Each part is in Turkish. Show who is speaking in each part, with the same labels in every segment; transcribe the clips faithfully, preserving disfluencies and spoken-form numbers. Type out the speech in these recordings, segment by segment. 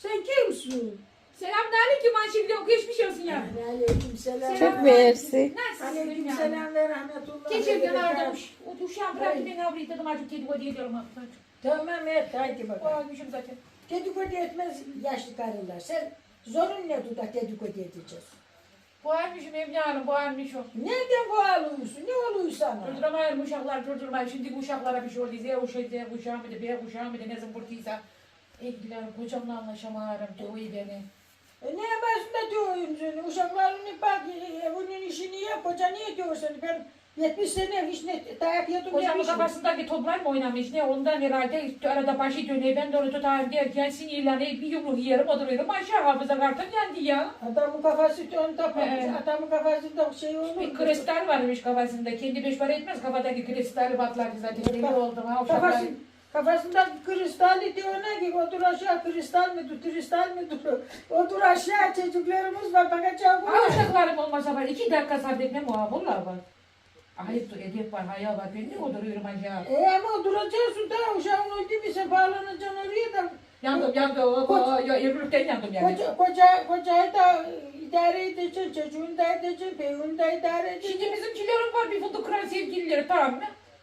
Speaker 1: Sen kimsin?
Speaker 2: Selamünaleyküm Ayşegül. Geçmiş olsun ya.
Speaker 1: Aleyküm selam.
Speaker 3: Çok mersi.
Speaker 2: Nasılsın?
Speaker 1: Aleyküm selam ve rahmetullah.
Speaker 2: Geçerken aramış. O uşağım bıraktı beni avrayı dedim artık kedi kodu ediyorum artık.
Speaker 1: Tamam et haydi
Speaker 2: O
Speaker 1: bakalım.
Speaker 2: almışım zaten.
Speaker 1: Dedikodu etmez yaşlı karılar. Sen zorun ne dudak dedikodu edeceğiz?
Speaker 2: Bu almışım Emine Hanım, bu almışım.
Speaker 1: Nereden bu alıyorsun? Ne oluyor sana?
Speaker 2: Durduramayın uşaklar, durdurmayın. Şimdi bu uşaklara bir şey oldu. Z uşağı, Z uşağı mıydı, B uşağı mıydı, ne zımbırtıysa. Evliler kocamla anlaşamıyorum, dövüyor beni.
Speaker 1: E ne yaparsın da diyorsun seni? Uşaklarını bak, e, bunun işini yap. Hoca niye diyorsun? Ben yetmiş sene hiç ne dayak yedim
Speaker 2: Kocamın
Speaker 1: demişim.
Speaker 2: kafasındaki toplar mı oynamış ne ondan herhalde arada başı dönüyor. Ben de onu tutayım derken sinirlenip bir yumruk yerim oturuyorum. Aşağı hafıza kartım yendi ya.
Speaker 1: Adamın kafası ön tapamış.
Speaker 2: He.
Speaker 1: Adamın kafasında şey olur.
Speaker 2: Bir kristal varmış kafasında. Kendi beş para etmez kafadaki kristali patladı zaten. Deli oldum ha uşaklar.
Speaker 1: Kafası, kafasında kristali diyor ne ki otur aşağı kristal mi dur kristal mi dur otur aşağı çocuklarımız var bakacağım
Speaker 2: Ha uşaklarım olmasa var. iki dakika sabretmem o ha. Vallahi var. Ayıp edep var, haya var. Ben ne oturuyorum aşağı.
Speaker 1: E ama duracaksın da uşağın öldü mü sen bağlanacaksın oraya da.
Speaker 2: Yandım yandım. O, o, ya, evlilikten yandım yani.
Speaker 1: Koca, koca, kocayı da idare edeceksin, çocuğunu da edeceksin, beyini de idare edeceksin.
Speaker 2: Şimdi bizimkilerim var bir fındık kıran sevgilileri tamam mı?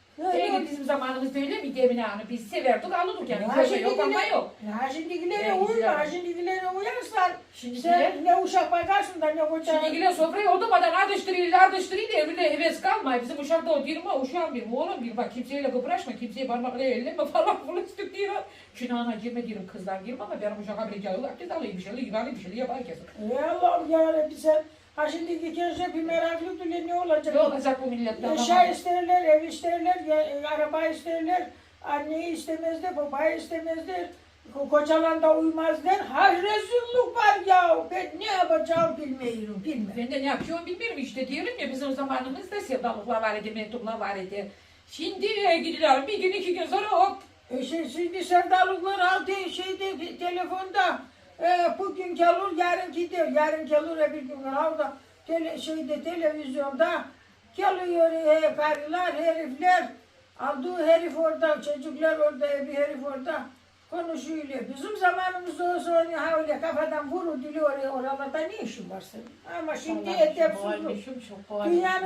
Speaker 2: Ee, bizim zamanımızda öyle miydi Emine Hanım? Biz severdik alırdık yani.
Speaker 1: Ha,
Speaker 2: Köşe yok ama yok.
Speaker 1: Ha şimdikilere
Speaker 2: Evet,
Speaker 1: uyma,
Speaker 2: güzel.
Speaker 1: ha şimdikilere uyarsan
Speaker 2: Şimdikiler,
Speaker 1: sen ne uşak bakarsın da ne koca.
Speaker 2: şimdikiler sofrayı oturmadan ardıştırıyla ardıştırıyla evine heves kalmıyor. Bizim uşakta o dirme uşağım bir oğlum bir bak kimseyle kıpraşma, kimseye parmakla elleme falan fılıçtık diyor. Günahına girme diyorum kızlar girme ama benim uşağa bileceği herkes alıyor bir şeyler, yıkanıyor bir şeyler yapar kesin.
Speaker 1: Ey Allah'ım yarabbim sen ha şimdiki gençler bir meraklı bile ne olacak?
Speaker 2: Ne olacak bu milletten?
Speaker 1: Eşya isterler, ev isterler, ya, e, araba isterler, anneyi istemezler, babayı istemezler, ko- kocalan da uymazlar. Ha rezillik var ya, ben ne yapacağım bilmiyorum, bilmem.
Speaker 2: Ben de ne yapıyorum bilmiyorum işte diyorum ya bizim zamanımızda sevdalıklar var idi, mektuplar var idi. Şimdi e, gidiyorlar bir gün iki gün sonra hop.
Speaker 1: E şey, şimdi sevdalıklar aldı şeyde te- telefonda, e, bugün gelir, yarın gidiyor, yarın gelir, öbür gün orada tele, şeyde televizyonda geliyor e, karılar, herifler, aldığı herif orada, çocuklar orada, bir herif orada konuşuyor. Bizim zamanımızda olsa öyle, ha öyle kafadan vurur dili oraya oralarda ne işin var senin? Ama şimdi edepsizlik. Dünyanın